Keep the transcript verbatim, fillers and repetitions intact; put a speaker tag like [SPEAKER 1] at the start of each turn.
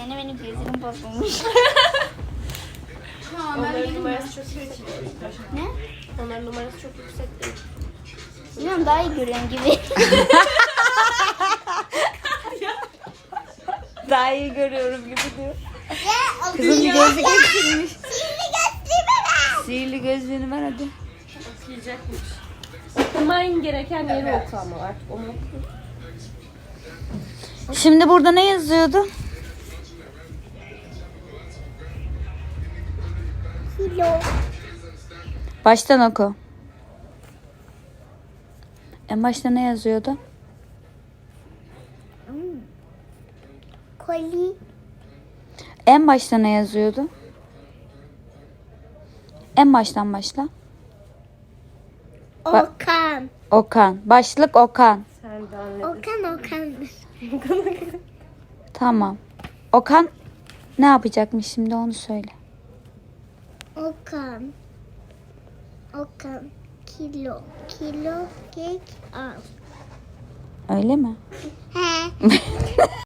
[SPEAKER 1] Yine benim gözlerim bozulmuş.
[SPEAKER 2] Onların numarası çok yüksek.
[SPEAKER 1] Ne?
[SPEAKER 2] Onların numarası çok yüksek değil.
[SPEAKER 1] Bilmiyorum, daha iyi görüyorum gibi.
[SPEAKER 3] Daha iyi görüyorum gibi diyor.
[SPEAKER 1] Ya,
[SPEAKER 3] Kızım bir gözlük eksilmiş.
[SPEAKER 1] Sihirli gözlüğümü ver.
[SPEAKER 3] Sihirli gözlüğünü ver hadi.
[SPEAKER 2] Okuyacakmış. Okuman gereken yeri oku ama artık onu oku.
[SPEAKER 3] Şimdi burada ne yazıyordu?
[SPEAKER 1] Kilo.
[SPEAKER 3] Baştan oku. En başta ne yazıyordu?
[SPEAKER 1] Koli.
[SPEAKER 3] En başta ne yazıyordu? En baştan başla.
[SPEAKER 1] Okan.
[SPEAKER 3] Okan. Başlık Okan.
[SPEAKER 2] Sen de anladın.
[SPEAKER 1] Okan Okan.
[SPEAKER 3] Tamam. Okan ne yapacakmış şimdi onu söyle.
[SPEAKER 1] Okan. Okan. Kilo. Kilo kek al.
[SPEAKER 3] Öyle mi?
[SPEAKER 1] He.